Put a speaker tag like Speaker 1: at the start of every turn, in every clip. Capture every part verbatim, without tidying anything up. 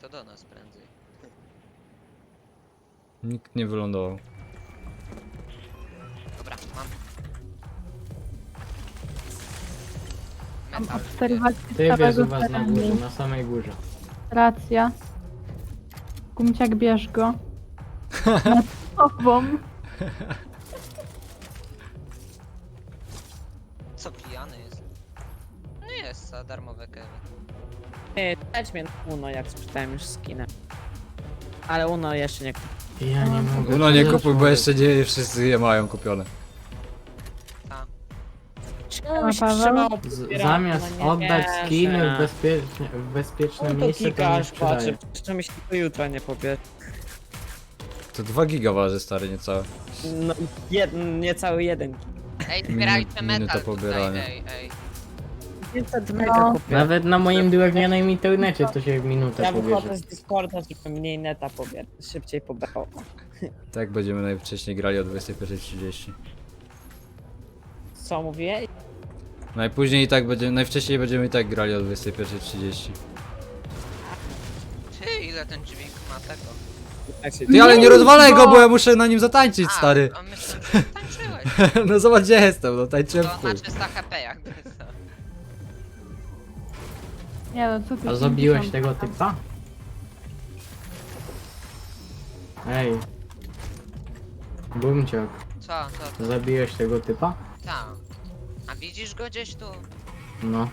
Speaker 1: to do nas prędzej.
Speaker 2: Nikt nie wylądował.
Speaker 1: Dobra, mam.
Speaker 3: Mam
Speaker 1: Metal.
Speaker 3: obserwację
Speaker 4: Ty jest
Speaker 3: całego
Speaker 4: u was na
Speaker 3: terenu.
Speaker 4: górze, na samej górze.
Speaker 3: Racja. Gumciak, bierz go. Nad tobą.
Speaker 1: Co pijany jest? Nie jest za darmowe kewy.
Speaker 5: Ej, dać mnie na Uno, jak sprzedałem już skinę. Ale Uno jeszcze nie.
Speaker 4: Ja nie mogę.
Speaker 2: No nie
Speaker 4: co
Speaker 2: kupuj, bo
Speaker 4: za
Speaker 2: jeszcze nie wszyscy je mają kupione.
Speaker 1: Ta.
Speaker 5: Czemu się
Speaker 3: Paweł?
Speaker 5: trzymało
Speaker 4: człowiek. Z,
Speaker 5: popierania?
Speaker 4: zamiast
Speaker 5: No nie
Speaker 4: oddać
Speaker 5: wierzę.
Speaker 4: skiny w bezpieczne, w bezpieczne
Speaker 5: No to
Speaker 4: miejsce, to nie
Speaker 5: kikasz,
Speaker 4: sprzedaje.
Speaker 5: patrzę, jeszcze mi się do jutra nie pobierze.
Speaker 2: To dwa giga waży, stary, niecałe.
Speaker 5: No, jed, niecały jeden.
Speaker 1: Ej, zbierajcie
Speaker 2: Minut- minuta
Speaker 1: metal tutaj,
Speaker 2: pobierania.
Speaker 1: ej, ej.
Speaker 5: pięćset
Speaker 3: No.
Speaker 5: mega kupię.
Speaker 4: Nawet na moim drewnianym internecie to się w minutę
Speaker 5: Ja wychodzę
Speaker 4: pobierze.
Speaker 5: z Discorda, żeby mniej neta pobierać, szybciej pobrało.
Speaker 2: Tak będziemy najwcześniej grali o dwudziestej pierwszej trzydzieści.
Speaker 5: Co mówię?
Speaker 2: Najpóźniej i tak będziemy, najwcześniej będziemy i tak grali o dwudziestej pierwszej trzydzieści.
Speaker 1: Ty, ile ten dźwięk ma tego?
Speaker 2: Ty, ale nie rozwalaj go, bo ja muszę na nim zatańczyć, stary.
Speaker 1: A, a myślę, że tańczyłeś.
Speaker 2: No zobacz, gdzie jestem, no tańczyłem
Speaker 1: To
Speaker 2: w chuj.
Speaker 1: na trzysta H P jakby co.
Speaker 3: Nie no, co ty
Speaker 4: A zabiłeś
Speaker 3: pięćdziesiąt.
Speaker 4: tego typa? Ej. Bumciok,
Speaker 1: Co, co, co?
Speaker 4: zabiłeś tego typa?
Speaker 1: Ta. A widzisz go gdzieś tu?
Speaker 4: No.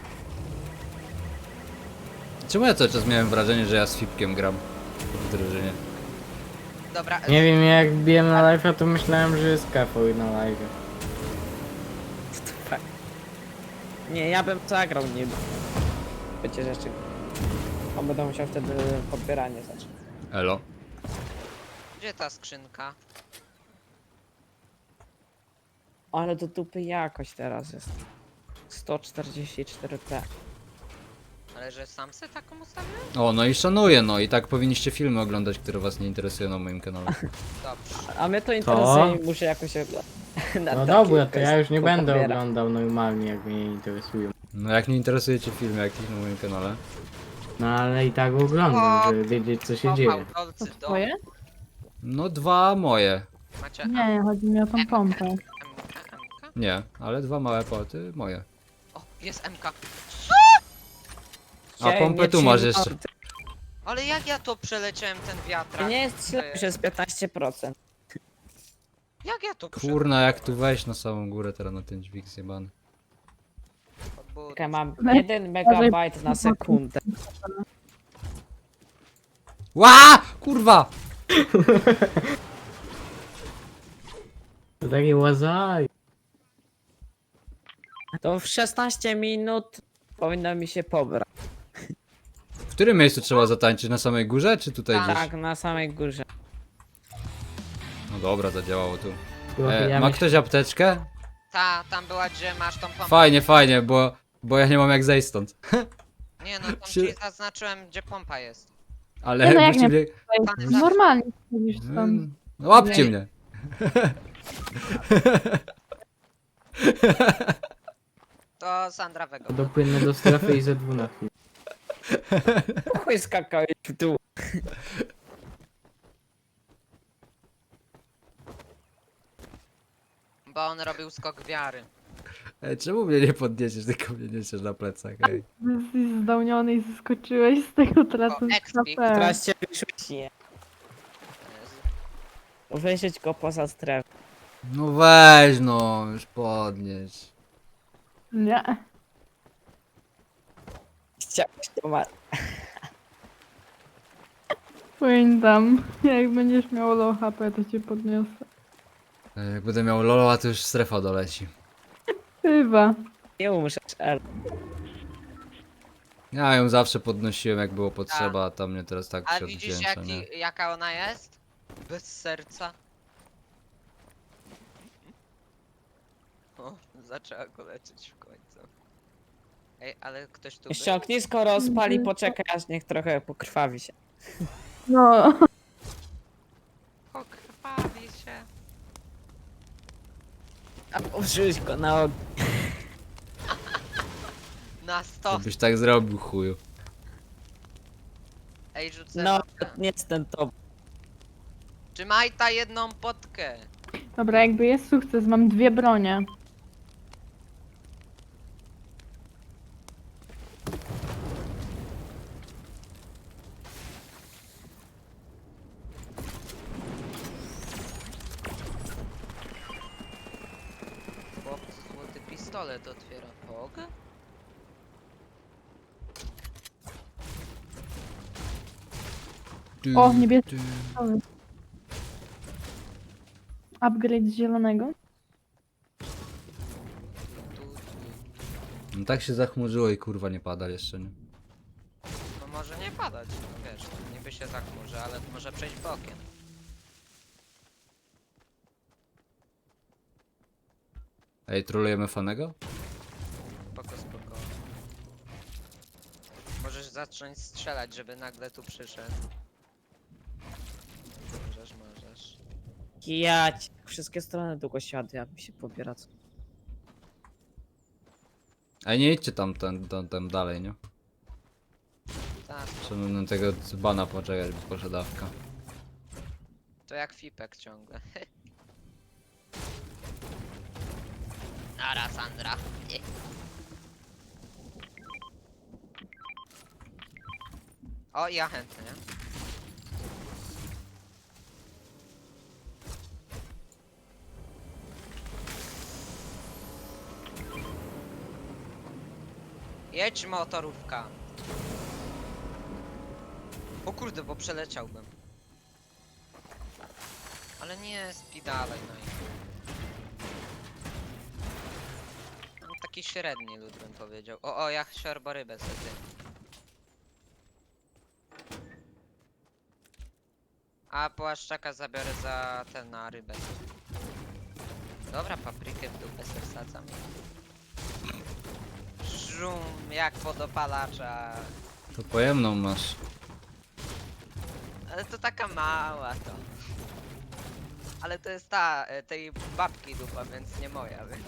Speaker 2: Czemu ja cały czas miałem wrażenie, że ja z Fipkiem gram w drużynie?
Speaker 1: Dobra,
Speaker 4: Nie wiem, jak biłem na live'a, to myślałem, że jest kafoid na live.
Speaker 5: Nie, ja bym zagrał nim. Wiecie rzeczy. On będę musiał wtedy podbieranie zacząć.
Speaker 2: Elo.
Speaker 1: gdzie ta skrzynka?
Speaker 5: Ale do dupy jakość teraz jest. sto czterdzieści cztery p.
Speaker 1: Ale że sam se taką ustawiłem?
Speaker 2: O, no i szanuję, no i tak powinniście filmy oglądać, które was nie interesują na moim kanale.
Speaker 1: Dobrze.
Speaker 5: A mnie to interesuje i muszę jakoś oglądać.
Speaker 4: No dobra, to ja już nie będę oglądał normalnie, jak mnie nie interesują.
Speaker 2: No jak nie interesujecie filmy jakieś na moim kanale?
Speaker 4: No ale i tak oglądam, żeby wiedzieć, co się
Speaker 1: O,
Speaker 4: dzieje.
Speaker 3: To
Speaker 1: fałdolcy do...
Speaker 3: twoje?
Speaker 2: No dwa moje.
Speaker 1: Macie
Speaker 3: Nie, nie, chodzi mi o tą pompę.
Speaker 1: M K, M K?
Speaker 2: Nie, ale dwa małe poty moje.
Speaker 1: O, jest M K.
Speaker 2: A pompę tu masz jeszcze.
Speaker 1: Ale jak ja to przeleciałem ten wiatrak?
Speaker 5: Nie jest źle, że jest piętnaście procent.
Speaker 1: Jak ja to
Speaker 2: Kurna, jak tu wejść na samą górę teraz na ten dźwig zjebany.
Speaker 1: przeleciałem?
Speaker 5: Ja mam
Speaker 3: Weź,
Speaker 5: jeden megabajt na sekundę.
Speaker 2: Ła! Kurwa!
Speaker 4: To taki łazaj.
Speaker 5: To w szesnaście minut powinno mi się pobrać.
Speaker 2: W którym miejscu trzeba zatańczyć? Na samej górze, czy tutaj
Speaker 1: Tak.
Speaker 2: gdzieś?
Speaker 5: Tak, na samej górze.
Speaker 2: No dobra, zadziałało tu.
Speaker 4: Chłopie,
Speaker 2: E,
Speaker 4: ja
Speaker 2: ma
Speaker 4: myśl-
Speaker 2: ktoś apteczkę?
Speaker 1: Ta, tam była, gdzie masz tą pompę.
Speaker 2: Fajnie, fajnie, bo, bo ja nie mam jak zejść stąd.
Speaker 1: Nie no, tam
Speaker 2: Się-
Speaker 1: ci zaznaczyłem, gdzie pompa jest.
Speaker 2: Ale
Speaker 3: Nie no, jak
Speaker 2: musicie
Speaker 3: nie-
Speaker 2: mnie...
Speaker 3: Normalnie chodzisz stąd.
Speaker 2: Mm, No łapcie mnie.
Speaker 1: To Sandra Wego.
Speaker 4: Dopłynę do strefy i ze dwu na chwilę.
Speaker 5: Chuj skakałeś w dół.
Speaker 1: Bo on robił skok wiary.
Speaker 2: Ej, czemu mnie nie podniesiesz, tylko mnie niesiesz na plecach, ej?
Speaker 3: Jesteś zdałniony i zeskoczyłeś z tego tracąc
Speaker 1: O, expik.
Speaker 3: K P.
Speaker 5: Teraz cię wyrzuci.
Speaker 1: Jezu.
Speaker 5: Wyjrzeć go poza strefę.
Speaker 2: No weź no, już podnieś.
Speaker 3: Nie.
Speaker 5: Chciałeś to ma...
Speaker 3: Pamiętam. Jak będziesz miał low H P, to cię podniosę.
Speaker 2: Ej, Jak będę miał lolo, a to już strefa doleci.
Speaker 3: Chyba.
Speaker 5: Nie umrzesz, L.
Speaker 2: Ja ją zawsze podnosiłem jak było potrzeba, a tam mnie teraz tak
Speaker 1: A
Speaker 2: się
Speaker 1: widzisz
Speaker 2: odwdzięcza, nie?
Speaker 1: jaki, jaka ona jest? Bez serca. O, zaczęła go leczyć w końcu. Ej, ale ktoś tu
Speaker 5: Jeszcze
Speaker 1: był?
Speaker 5: ognisko rozpali, poczekaj aż niech trochę pokrwawi się.
Speaker 3: No.
Speaker 1: Pokrwawi się.
Speaker 5: A użyłeś go na ogień.
Speaker 1: Na sto.
Speaker 2: Byś tak zrobił, chuju.
Speaker 1: Ej, rzucę
Speaker 5: No,
Speaker 1: potkę.
Speaker 5: nie jestem to.
Speaker 1: Trzymaj ta jedną potkę.
Speaker 3: Dobra, jakby jest sukces, mam dwie bronie.
Speaker 1: Chłopcy, złoty pistolet otwiera. Mogę?
Speaker 3: O, niebieski. Upgrade z zielonego.
Speaker 1: Tu, tu.
Speaker 2: No tak się zachmurzyło i kurwa nie pada jeszcze, nie?
Speaker 1: No może nie padać, no wiesz, no niby się zachmurzy, ale może przejść bokiem.
Speaker 2: Ej, trolujemy fanego?
Speaker 1: Spoko, spoko. Możesz zacząć strzelać, żeby nagle tu przyszedł. Możesz, możesz.
Speaker 5: Ja ci- wszystkie strony długo siadł, jak mi się pobiera.
Speaker 2: Ej, nie idźcie tam, tam, tam, tam dalej, nie?
Speaker 1: Tak,
Speaker 2: Trzeba na tego dzbana poczekać, bo poszedł dawka.
Speaker 1: to jak Fipek ciągle. Ara, Sandra. Nie. O, ja chętnie. Jedź motorówka. O kurde, bo przeleciałbym. Ale nie, spi dalej, no i... No, taki średni lud bym powiedział. O, o, ja siorborybę sobie. A płaszczaka zabiorę za ten na rybę. Dobra, paprykę w dupę se wsadzam. Żum, jak podopalacza.
Speaker 2: To pojemną masz.
Speaker 1: Ale to taka mała to. Ale to jest ta, e, tej babki dupa, więc nie moja, więc...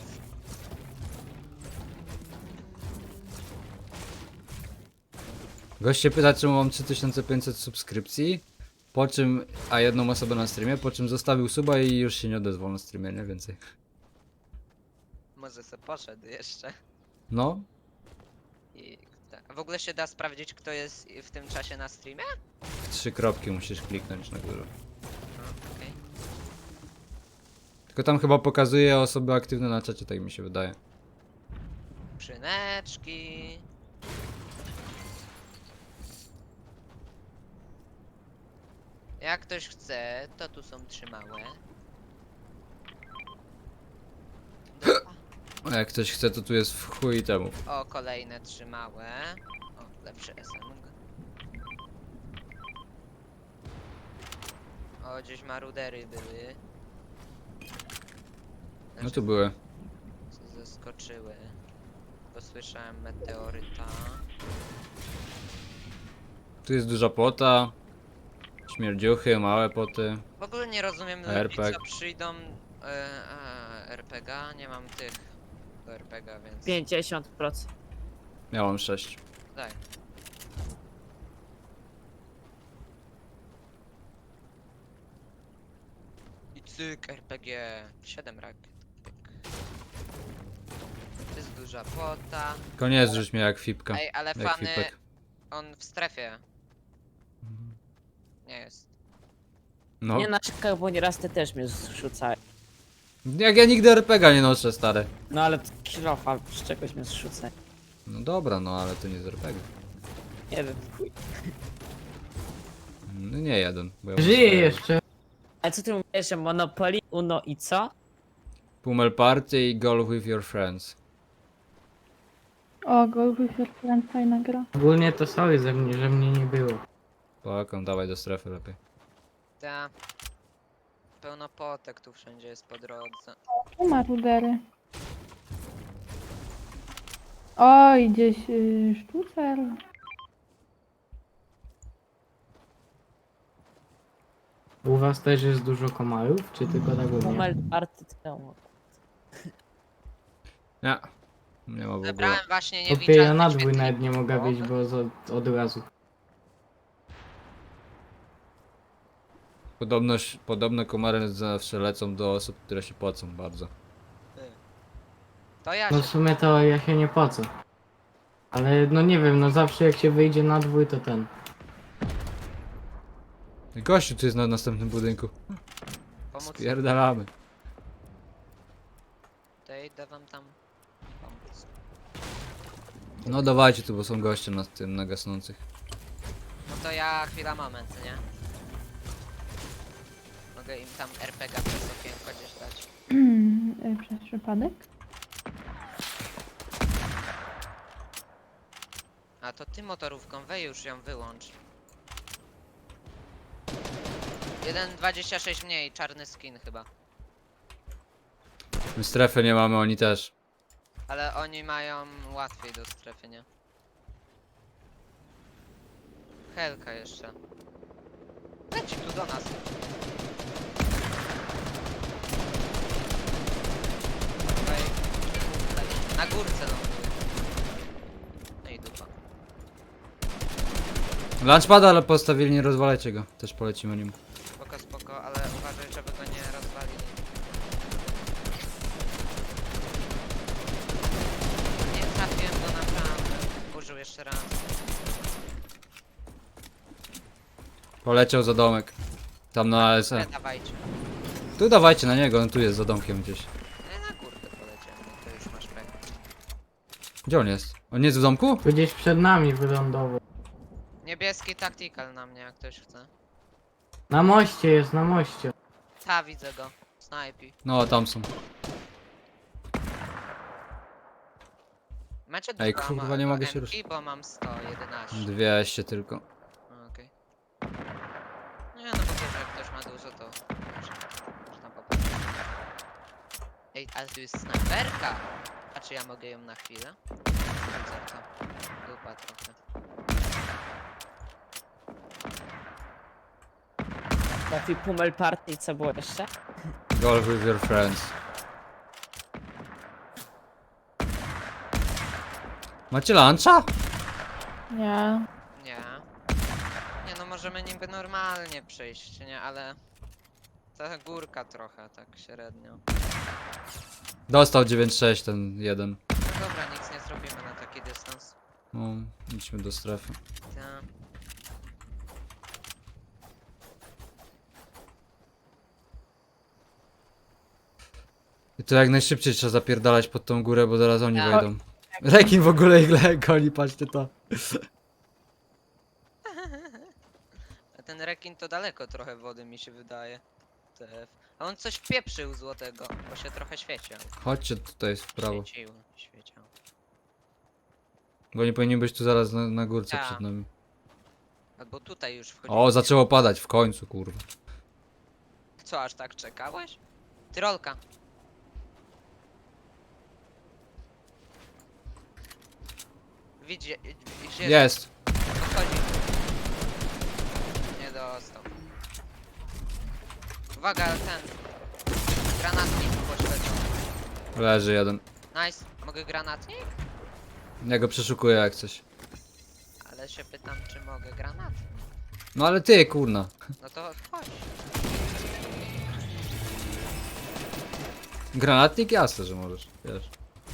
Speaker 2: Goście pyta, czemu mam trzy tysiące pięćset subskrypcji, po czym, a jedną osobę na streamie, po czym zostawił suba i już się nie odezwał na streamie, nie więcej.
Speaker 1: Może se poszedł jeszcze.
Speaker 2: No,
Speaker 1: I te- w ogóle się da sprawdzić, kto jest w tym czasie na streamie?
Speaker 2: w trzy kropki musisz kliknąć na górę.
Speaker 1: No, okej.
Speaker 2: Tylko tam chyba pokazuje osoby aktywne na czacie, tak mi się wydaje.
Speaker 1: Przyneczki. Jak ktoś chce, to tu są trzy małe. Dupa.
Speaker 2: A jak ktoś chce, to tu jest w chuj temu.
Speaker 1: O, kolejne trzy małe. O, lepszy S M G. O, gdzieś marudery były.
Speaker 2: No
Speaker 1: Znaczy,
Speaker 2: tu były.
Speaker 1: co zaskoczyły. Bo słyszałem meteoryta.
Speaker 2: Tu jest duża płota. Śmierdziuchy, małe poty.
Speaker 1: W ogóle nie rozumiem ludzi,
Speaker 2: R P G.
Speaker 1: co przyjdą... E, a, R P G? Nie mam tych do R P G, więc...
Speaker 5: pięćdziesiąt procent.
Speaker 2: Miałam sześć.
Speaker 1: Daj. I cyk, R P G. siedem rakiet. Pyk. To jest duża płota.
Speaker 2: Koniec, rzuć mnie jak fipka.
Speaker 1: Ej, ale
Speaker 2: Jak
Speaker 1: fany...
Speaker 2: fipek.
Speaker 1: On w strefie. Nie jest.
Speaker 2: No.
Speaker 5: Nie narzekaj, bo nieraz ty też mnie zrzucaj.
Speaker 2: Jak ja nigdy R P G nie noszę, stary.
Speaker 5: No ale kilofa z czegoś mnie zrzucaj.
Speaker 2: No dobra, no ale to nie z R P G.
Speaker 5: Nie wiem, chuj.
Speaker 2: No nie jeden. Bo ja mam
Speaker 4: Żyje
Speaker 2: swoje.
Speaker 4: jeszcze.
Speaker 5: Ale co ty mówisz, że Monopoly, Uno i co?
Speaker 2: Pummel Party i Golf with your friends.
Speaker 3: O, Golf with your friend, fajna gra.
Speaker 4: Ogólnie to sorry ze mnie, że mnie nie było.
Speaker 2: Polakom, dawaj do strefy lepiej.
Speaker 1: Ta. Pełno potek tu wszędzie jest po drodze.
Speaker 3: Tu ma rudery. Oj, gdzieś yy, sztucer.
Speaker 4: U was też jest dużo komarów, czy tylko tak u mnie?
Speaker 5: Numer party temu.
Speaker 2: Nie. Nie ma w ogóle.
Speaker 1: Zebrałem właśnie
Speaker 4: Opie, ja
Speaker 1: niewidzialny
Speaker 4: na dwój
Speaker 1: świetlik.
Speaker 4: nawet nie mogę
Speaker 1: O,
Speaker 4: wyjść, bo z, od, od razu.
Speaker 2: Podobno, podobno komary zawsze lecą do osób, które się płacą bardzo.
Speaker 1: To ja
Speaker 4: No
Speaker 1: się...
Speaker 4: w sumie to ja się nie pocę. Ale no nie wiem, no zawsze jak się wyjdzie na dwój to ten.
Speaker 2: Gościu tu jest na następnym budynku.
Speaker 1: pomóc.
Speaker 2: Spierdalamy.
Speaker 1: To ja idę wam tam pomóc.
Speaker 2: No dawajcie tu, bo są goście na tym, na gasnących.
Speaker 1: No to ja chwila, moment, nie? Mogę im tam er pe ga przez okienko gdzieś dać.
Speaker 3: Y, Przez przypadek?
Speaker 1: A to ty motorówką, wej już ją wyłącz. jeden dwadzieścia sześć mniej, czarny skin chyba.
Speaker 2: My strefy nie mamy, oni też.
Speaker 1: Ale oni mają łatwiej do strefy, nie? Helka jeszcze. Leci tu do nas. Tutaj. Tutaj. Na górce ląduje. No i dupa.
Speaker 2: Launchpada, ale postawili, nie rozwalajcie go. Też polecimy nim.
Speaker 1: Spoko, spoko, ale uważaj, żeby go nie rozwalili. Nie trafiłem go naprawdę. Użył jeszcze raz.
Speaker 2: Poleciał za domek. Tam na A S E.
Speaker 1: Nie dawajcie.
Speaker 2: Tu dawajcie na niego, on tu jest za domkiem gdzieś.
Speaker 1: Nie, na górkę poleciałem, no to już masz pek.
Speaker 2: Gdzie on jest? On jest w domku?
Speaker 4: Tu gdzieś przed nami wylądował.
Speaker 1: Niebieski tactical na mnie, jak ktoś chce.
Speaker 4: Na moście jest, na moście.
Speaker 1: Ta, widzę go. Snajpi.
Speaker 2: No, tam są.
Speaker 1: Macie
Speaker 2: Ej,
Speaker 1: dwa
Speaker 2: kurwa,
Speaker 1: ma-
Speaker 2: nie
Speaker 1: do
Speaker 2: mogę się
Speaker 1: M K,
Speaker 2: ruszyć.
Speaker 1: bo mam sto jedenaście.
Speaker 2: dwieście tylko.
Speaker 1: Okej. Nie no, bo wiesz, jak ktoś ma dużo, to może, można popatrzeć. Ej, ale tu jest snajperka! A czy ja mogę ją na chwilę? Zerka. Dupa trochę.
Speaker 5: Taki Pummel Party, co było jeszcze?
Speaker 2: Golf with your friends. Macie luncha?
Speaker 3: Nie.
Speaker 1: Nie. Nie no, możemy niby normalnie przejść, nie? Ale... Ta górka trochę, tak średnio.
Speaker 2: Dostał dziewięć sześć ten jeden.
Speaker 1: No dobra, nic nie zrobimy na taki dystans.
Speaker 2: No, idźmy do strefy.
Speaker 1: Ta.
Speaker 2: I to jak najszybciej trzeba zapierdalać pod tą górę, bo zaraz oni
Speaker 1: Tak.
Speaker 2: wejdą. Rekin w ogóle ich le- goni, patrzcie to.
Speaker 1: A ten rekin to daleko trochę wody mi się wydaje. T F. A on coś pieprzył złotego, bo się trochę świeciał.
Speaker 2: Chodźcie tutaj w prawo.
Speaker 1: Świecił, świeciał.
Speaker 2: Bo nie powinni być tu zaraz na, na górce
Speaker 1: Tak.
Speaker 2: przed nami.
Speaker 1: Albo tutaj już wchodzi.
Speaker 2: O, zaczęło padać w końcu, kurwa.
Speaker 1: Co, aż tak czekałeś? Tyrolka. Widzi, gdzie
Speaker 2: Jest.
Speaker 1: Podchodzi. Nie dostał. Uwaga, ten. Granatnik pośledzą.
Speaker 2: Leży jeden.
Speaker 1: Nice. Mogę granatnik?
Speaker 2: Ja go przeszukuję jak coś.
Speaker 1: Ale się pytam, czy mogę granatnik.
Speaker 2: No ale ty, kurna.
Speaker 1: No to chodź.
Speaker 2: Granatnik? Jasne, że możesz. Wiesz.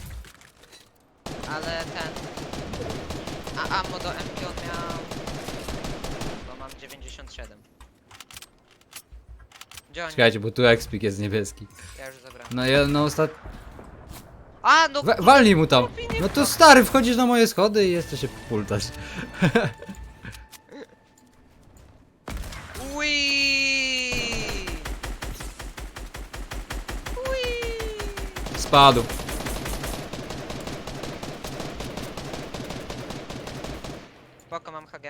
Speaker 1: Ale ten... A ammo do M K on miał... Bo mam dziewięćdziesiąt siedem. Gdzie oni?
Speaker 2: Czekajcie, bo tu ekspik jest niebieski.
Speaker 1: Ja już zabrałem.
Speaker 2: No ja no ostat...
Speaker 1: A, no...
Speaker 2: We, walnij mu tam! No to stary, wchodzisz na moje schody i jeszcze się pultać.
Speaker 1: Ui! Ui!
Speaker 2: Spadł.
Speaker 1: Spoko, mam H G.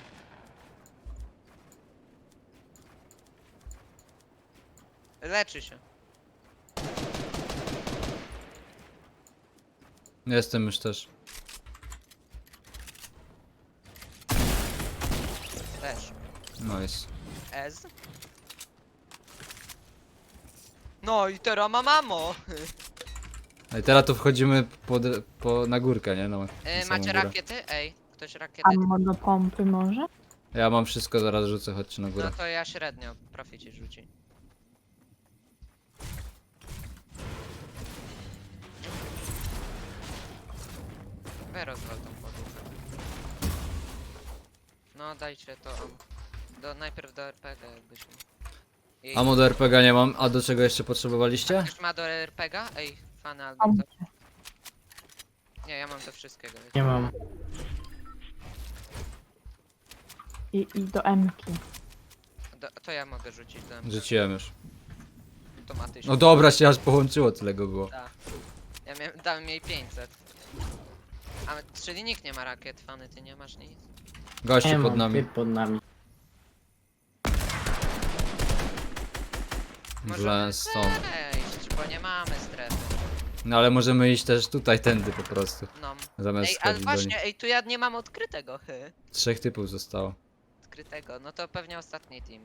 Speaker 1: Leczy się.
Speaker 2: Jestem już też.
Speaker 1: Też.
Speaker 2: Nice.
Speaker 1: Ez. No i teraz ma mamo!
Speaker 2: No i teraz tu wchodzimy pod, po, na górkę, nie? No, na
Speaker 1: E,
Speaker 2: samą
Speaker 1: macie
Speaker 2: górę.
Speaker 1: rakiety? Ej, ktoś rakiety?
Speaker 3: Ammo do pompy może?
Speaker 2: Ja mam wszystko, zaraz rzucę, chodźcie na
Speaker 1: No
Speaker 2: górę.
Speaker 1: to ja średnio, profici rzuci. Weź rozwal tą podłogę. No dajcie to am. Do, najpierw do R P G jakbyśmy. I-
Speaker 2: Amo do R P G nie mam, a do czego jeszcze potrzebowaliście?
Speaker 1: Ktoś ma do R P G? Ej, fany albo
Speaker 3: Mam.
Speaker 1: ktoś. Nie, ja mam do wszystkiego. wiecie.
Speaker 4: Nie mam.
Speaker 3: I, i do M-ki.
Speaker 1: Do, to ja mogę rzucić do M P.
Speaker 2: Rzuciłem już.
Speaker 1: Automatycznie.
Speaker 2: No dobra, się aż połączyło, tyle go było.
Speaker 1: Tak. Ja miałem, dałem jej pięćset. A, czyli nikt nie ma rakiet, fany, ty nie masz nic?
Speaker 2: Gościu
Speaker 4: Nie
Speaker 2: pod
Speaker 4: mam,
Speaker 2: nami.
Speaker 4: typ pod nami.
Speaker 2: Źle stąd.
Speaker 1: Wejść, bo nie mamy strefy.
Speaker 2: No ale możemy iść też tutaj, tędy po prostu.
Speaker 1: No.
Speaker 2: Zamiast
Speaker 1: Ej, ale
Speaker 2: schodzić do nich.
Speaker 1: właśnie, ej, tu ja nie mam odkrytego, hy.
Speaker 2: Trzech typów zostało.
Speaker 1: Odkrytego, no to pewnie ostatni team.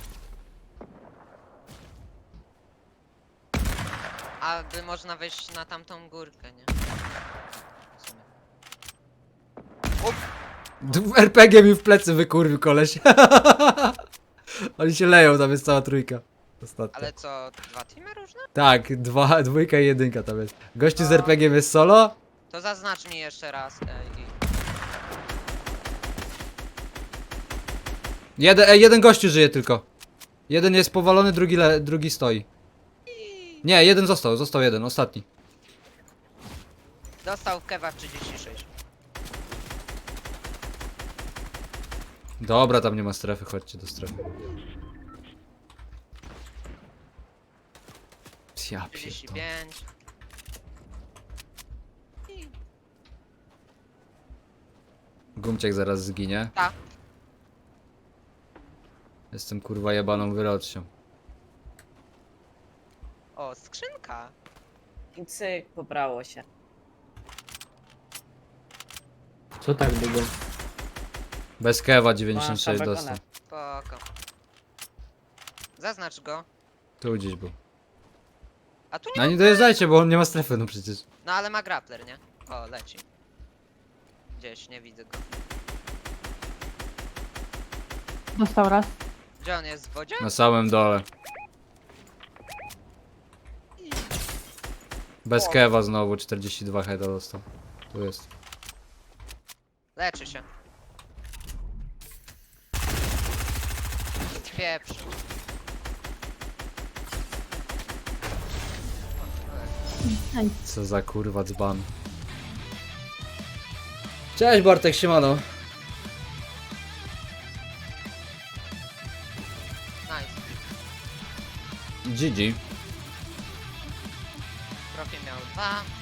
Speaker 1: Aby można wejść na tamtą górkę, nie? W sumie.
Speaker 2: D- R P G mi w plecy wykurwił koleś. Oni się leją, tam jest cała trójka. Ostatnia.
Speaker 1: Ale co, dwa teamy różne?
Speaker 2: Tak, dwa, dwójka i jedynka tam jest. Gościu z R P G jest solo.
Speaker 1: To zaznacz mi jeszcze raz, ej. i-
Speaker 2: Jeden, ej, jeden gościu żyje tylko. Jeden jest powalony, drugi, le, drugi stoi. Nie, jeden został, został jeden, ostatni.
Speaker 1: Dostał kewa trzydzieści sześć.
Speaker 2: Dobra, tam nie ma strefy, chodźcie do strefy. Ja
Speaker 1: trzydzieści
Speaker 2: pierdolę.
Speaker 1: pięć.
Speaker 2: Gumciek zaraz zginie.
Speaker 1: Ta.
Speaker 2: Jestem kurwa jebaną wyrocznią.
Speaker 1: O, skrzynka.
Speaker 5: I cyk, pobrało się.
Speaker 4: Co tak długo?
Speaker 2: Bez kewa dziewięćdziesiąt sześć
Speaker 5: Masz tam
Speaker 2: dostał.
Speaker 1: Spoko. Zaznacz go.
Speaker 2: Tu gdzieś był.
Speaker 1: A tu nie.
Speaker 2: No nie dojeżdżajcie, bo on nie ma strefy, no przecież.
Speaker 1: No ale ma grappler, nie? O, leci. Gdzieś, nie widzę go.
Speaker 3: Dostał raz.
Speaker 1: Gdzie on jest w wodzie?
Speaker 2: Na samym dole. Bez kewa znowu, czterdzieści dwa heada dostał. Tu jest.
Speaker 1: Leczy się. Pieprz.
Speaker 3: Ej,
Speaker 2: Co za kurwa dzban. Cześć Bartek, siemano.
Speaker 1: Nice.
Speaker 2: G G.
Speaker 1: Profil miał dwa.